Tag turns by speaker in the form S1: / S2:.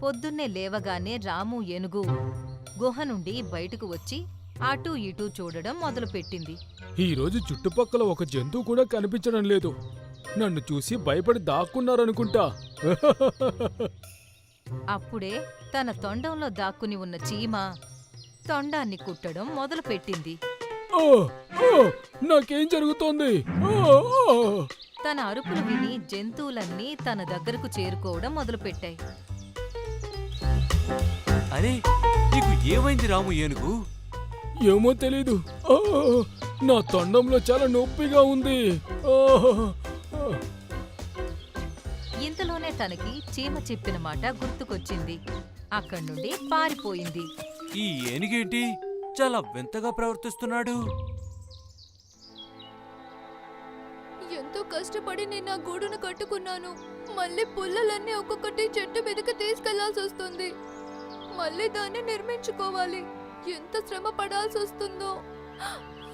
S1: పొద్దున్నే లేవగానే రాము ఏనుగు గుహ నుండి బయటకు వచ్చి అటూ ఇటూ చూడడం మొదలుపెట్టింది.
S2: ఈరోజు చుట్టుపక్కల ఒక జంతువు కూడా కనిపించడం లేదు. నన్ను చూసి భయపడి దాక్కున్నారనుకుంటా.
S1: అప్పుడే తన తొండంలో దాక్కుని ఉన్న చీమ తొండాన్ని కుట్టడం మొదలుపెట్టింది.
S2: ఆ! ఆ! నాకేం జరుగుతోంది? ఆ! ఆ!
S1: తన అరుపులు విని జంతువులన్నీ తన దగ్గరకు చేరుకోవడం మొదలుపెట్టాయి.
S3: అరే, నీకు ఏమైంది రాము ఏనుగు?
S2: ఏమో తెలీదు. ఆ! నా తొండంలో చాలా నొప్పిగా ఉంది. ఆ! ఆ!
S1: ఇంతలోనే తనకి చీమ చెప్పిన మాట గుర్తుకొచ్చింది. అక్కడి నుండి పారిపోయింది.
S3: ఈ ఏనుగేంటి చాలా వింతగా ప్రవర్తిస్తున్నాడు?
S4: ఎంతో కష్టపడి నేను నా గూడును కట్టుకున్నాను. మళ్ళీ పుల్లలన్నీ ఒక్కొక్కటి చెట్టు మీదకి తీసుకెళ్లాల్సి వస్తుంది. మళ్ళీ దాన్ని నిర్మించుకోవాలి. ఎంత శ్రమ పడాల్సి వస్తుందో.